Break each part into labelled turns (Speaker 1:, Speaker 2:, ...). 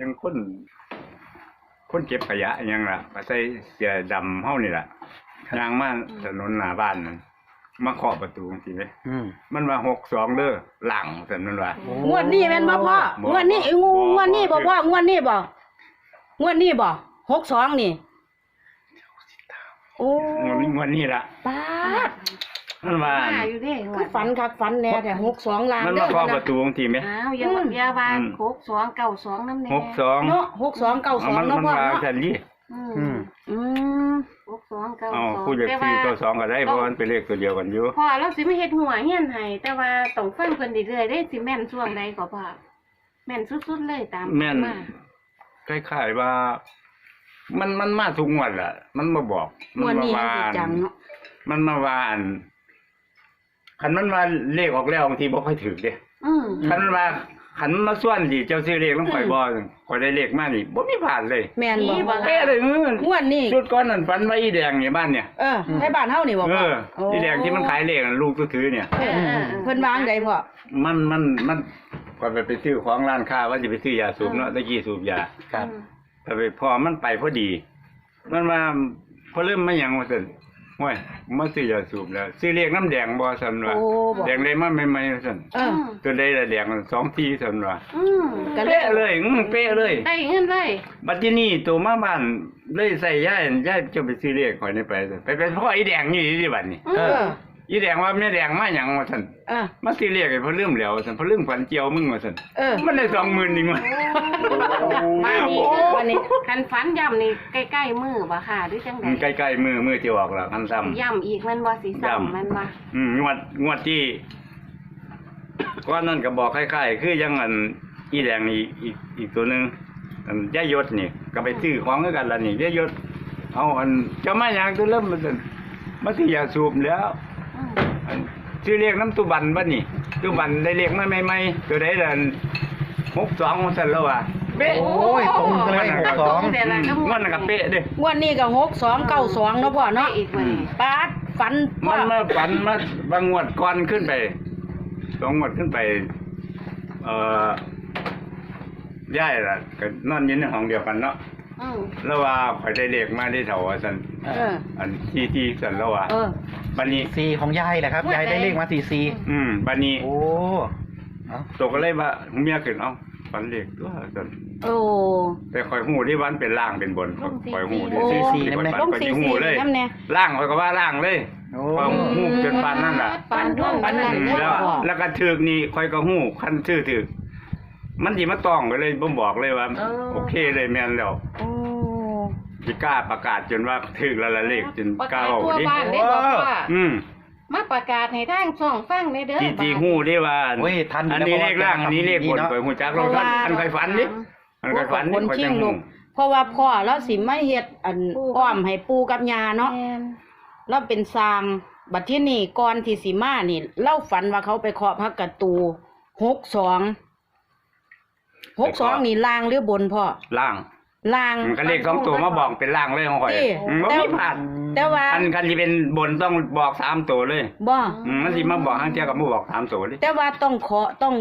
Speaker 1: จังคนเก็บขยะยังล่ะมาใส่เสื้อดำเฮานี่ล่ะยางมาถนนหน้าบ้านนั่นมาเคาะประตูจังซี่เด้มันว่า62เด้อหลังซั่นมันว่าง
Speaker 2: วดนี้แม่นบ่พ่องวดนี้งวดนี้บ่พ่องวดนี้บ่62นี่โอ้
Speaker 1: งวดนี้ล่ะ
Speaker 2: ป๊าด
Speaker 1: มันว่า
Speaker 3: อยู่เด้
Speaker 2: คือฝันคักฝันแน่แต่62ล้าน
Speaker 1: มันมาเคาะประตูจังซี่แม่
Speaker 3: อ้าวอย่าว่า6292นำแน่
Speaker 1: 62
Speaker 2: เนาะ6292
Speaker 1: มัน
Speaker 2: เนาะพ่อ
Speaker 1: ว่า
Speaker 2: เนาะ
Speaker 1: ซั่นดิ
Speaker 3: 6292
Speaker 1: ผู้จะซื้อตัว2ก็ได้เพราะมันเป็นเลขตัวเดียวกันอยู่
Speaker 3: พ่อเราสิมาเฮ็ดหัวเฮียนให้แต่ว่าต้องฟังเพิ่นเรื่อยๆเด้สิแม่นช่วงใดก็พ่อแม่นสุดๆเลยตามมา
Speaker 1: คล้ายๆว่ามันมาทุกงวดล่ะมันมาบอก
Speaker 2: มันมาว่าจังเนาะ
Speaker 1: มันมาว่าคันมันว่าเลขออกแล้วบางทีบ่ค่อยถูกเด้คันมันว่าคันมาส่วนสิเจ้าซื้อเลขลงข่อยบ่ข่อยได้เลขมานี่บ่มีพลาดเลย
Speaker 2: แม่นบ่
Speaker 1: เป๊ะเลย
Speaker 2: งวดนี้
Speaker 1: สุดก่อนนั่นฝันว่าอีแดงนี่บ้านเนี่ย
Speaker 2: ให้บ้านเฮานี่บ่พ่
Speaker 1: ออีแดงที่มันขายเลขลูกถือเนี่ย
Speaker 2: เพิ่นวางได้พ่อ
Speaker 1: มันก่อนไปซื้อของร้านค้าว่าจะไปซื้อยาสูบเนาะตะกี้สูบยา
Speaker 4: ครับ
Speaker 1: แต่ไปพอมันไปพอดีมันมาพอเริ่มมาหยังว่าซั่นห้วยมาซื้อยาสูบแล้วซื้อเลขน้ำแดงบ่ซั่นว่าแดงได้มาใหม่ๆซั่นตัวใดละแดง2ทีซั่นว่าเป๊ะเลยเป๊ะเลย
Speaker 3: ได้เงินเลย
Speaker 1: บัดทีนี้ตัวมาบ้านเลยใส่ย้ายจะไปซื้อเลขข่อยนี่ไปพ่ออีแดงนี่ดิบัดนี้อีแดงว่าแม่แดงมาหยังว่าซั่นมาซื้อเลขให้เพิ่นลืมแล้วซั่นเพิ่นลืมฝันเจียวมึงว่าซั่นมันได้20,000นี่มั้ย
Speaker 3: วันนี้คันฝันย่ำนี่ใกล้ๆมือบ่ค่ะหรือจังได๋
Speaker 1: ใกล้ๆมือสิออกแล้วคันซ้ำ
Speaker 3: ย่ำอีกมันบ่สิซ้ำมันบ่
Speaker 1: งวดที่ก่อนนั้นก็บอกคล้ายๆคือยังอันอีแดงนี่อีกตัวนึงอันยายศนี่ก็ไปซื้อของคือกันล่ะนี่ยายศเอาอันเจ้ามาหยังตัวเริ่มมันซั่นมาสิอยากสูบแล้วซื้อเลขน้ำตุบันบ่นี่ตุบันได้เลขมาใหม่ๆตัวใดล่ะ62ว่าซั่นแล้วว่า
Speaker 4: เป๊ะโอ้ยตรงเลย
Speaker 1: 62มันก็เป๊ะเด้
Speaker 2: งวดนี้ก็6292เนาะพ่อเนาะ
Speaker 3: อีกมื้อ
Speaker 2: ปาดฝัน
Speaker 1: มันมาฝันมาบางงวดก่อนขึ้นไป2งวดขึ้นไปย้ายล่ะก็นอนอยู่ในห้องเดียวกันเนาะแล้วว่าข่อยได้เลขมาได้เท่าว่าซั่นอันที่ซั่นแล้วว่าบัดนี้
Speaker 4: 4ของยายแหละครับยายได้เลขมา44
Speaker 1: บัดนี้
Speaker 4: โอ้
Speaker 1: ตกก็เลยว่าเมียขึ้นเอาฝันเลขตัวซั่นแต่ข่อยฮู้ที่วันเป็นล่างเป็นบนข่อยฮู้ที่44นำข่อยฮู้เลยล่างข่อยก็ว่าล่างเลยข่อยฮู้จนปานนั้นล่ะ
Speaker 2: ปานนั้น
Speaker 1: แล้วก็ถึกนี่ข่อยก็ฮู้คันชื่อถึกมันสิมาต้องก็เลยบ่บอกเลยว่าโอเคเลยแม่นแล้วสิกล้าประกาศจนว่าถึกแล้วละเลขจนกล้าเอาดิ
Speaker 3: มาประกาศให้ทางช่องฟังได้เด้อ
Speaker 1: จีฮู้ได้ว่าอันนี้เลขล่างอันนี้เลขบนข่อยฮู้จักแล้วอันข่อยฝันดิอันข่อยฝันนี่ข่อยจังฮู้
Speaker 2: เพราะว่าพ่อเราสิมาเฮ็ดอันอ้อมให้ปู่กับย่าเนาะเราเป็นสร้างบัดที่นี่ก่อนที่สิมานี่เราฝันว่าเขาไปเคาะพระกระตู62นี่ล่างหรือบนพ่อล่าง
Speaker 1: มันก็เลข2ตัวมาบอกเป็นล่างเลยของข่อยบ่มีพลาด
Speaker 2: แต่ว่า
Speaker 1: อันคันสิเป็นบนต้องบอก3ตัวเลย
Speaker 2: บ่
Speaker 1: มันสิมาบอกทางเที่ยก็บ่บอก3ตัวเลย
Speaker 2: แต่ว่าต้องขอ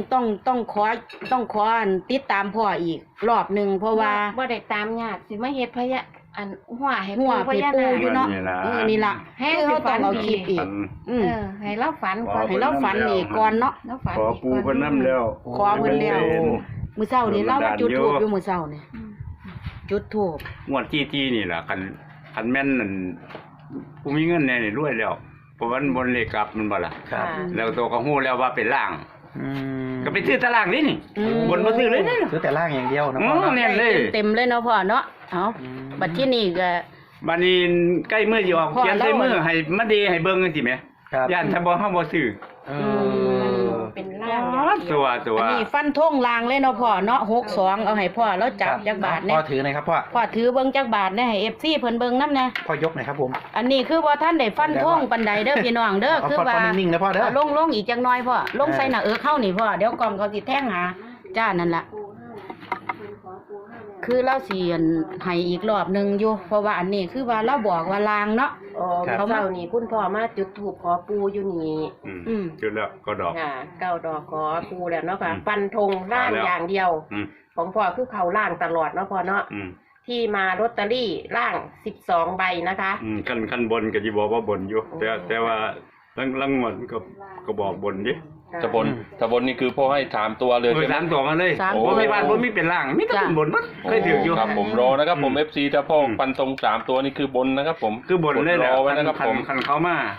Speaker 2: ติดตามพ่ออีกรอบนึงเพราะว่า
Speaker 3: บ่ได้ตามยากสิมาเฮ็ดพยะอันหัวให้
Speaker 2: ปู่พญานาคอยู่เนาะนี่ล่ะ
Speaker 3: ให้เขาต้องเอาคลิปอีกให้เราฝันก่อน
Speaker 2: ให้เราฝันอีกก่อนเนาะ
Speaker 1: ขอปู่เพิ่นนำแล้ว
Speaker 2: ขอเพิ่นแล้วมื้อเช้านี่เรามาจุดธูปอยู่มื้อเช้านี่จุดธูป
Speaker 1: งวดที่นี่ล่ะคันแม่นนั่นผู้มีเงินแน่นี่รวยแล้วเพราะมันบนเลขกลับมันบ่ล่ะ
Speaker 4: ครับ
Speaker 1: แล้วตัวก็ฮู้แล้วว่าเป็นล่างก็ไปซื้อตารางนี่บนบ่ซื้อเลย
Speaker 4: ซื้อแต่ล่างอย่างเดียวนะ
Speaker 1: พ่อเนี่ยเลย
Speaker 2: เต็มเลยเนาะพ่อเนาะเอาบัดที่นี่ก็
Speaker 1: บัดนี้ใกล้มื้อสิออกเขียนใส่มือให้มาดีให้เบิ่งจังซี่แหมย่านถ้าบ่เฮาบ่ซื้อ
Speaker 3: เป็นล่าง
Speaker 1: ตัว
Speaker 2: อันนี้ฟันธงล่างเลยเนาะพ่อเนาะ62เอาให้พ่อแล้วจับจักบาทเนี่ย
Speaker 4: พ่อถือหน่อยครับพ่อ
Speaker 2: ถือเบิ่งจักบาทเนี่ยให้ FC เพิ่นเบิ่งนำแน่
Speaker 4: พ่อยกหน่อยครับผม
Speaker 2: อันนี้คือบ่ทันได้ฟันธงปานใดเด้อพี่น้องเด้อคือว่า
Speaker 4: นิ่งๆนะพ่อเด้อ
Speaker 2: ลงอีกจักหน่อยพ่อลงใส่หน้าเข้านี่พ่อเดี๋ยวกล่อมเขาสิแทงหาจ้านั่นล่ะคือเราสิให้อีกรอบนึงอยู่เพราะว่าอันนี้คือว่าเราบอกว่าลางเนาะ
Speaker 3: เขาเจ้านี่คุณพ่อมาจุดธูปขอปู่อยู่นี่
Speaker 1: จุดแล้วก็ดอก
Speaker 3: ค่ะ9ดอกขอปู่แล้วเนาะค่ะฟันธงล่างอย่างเดียว
Speaker 5: ของพ่อคือเขาล่างตลอดเนาะพ่อเนาะ
Speaker 1: อืม
Speaker 5: ที่มาลอตเตอรี่ล่าง12ใบนะคะ
Speaker 1: คันบนก็สิบอกว่าบนอยู่ แต่ว่าลังงวดก็บอกบนดิ
Speaker 6: ถ้าบนนี่คือพ่อให้ถามตัวเลย
Speaker 1: โดย
Speaker 6: ใช่ไหม
Speaker 1: สามตัวมาเลย
Speaker 2: สาม
Speaker 1: บ่ให้บ้านบ่มีเป็นล่างมีแต่เป็นบนมั้งเคยถืออยู่
Speaker 6: ครับผมรอนะครับผม
Speaker 1: อืม
Speaker 6: FC ถ้าพ่อฟันตรง3ตัวนี่คือบนนะครับผม
Speaker 1: คือบนเลยแหละ
Speaker 6: รอไว้นะครับผม
Speaker 1: คันเขามา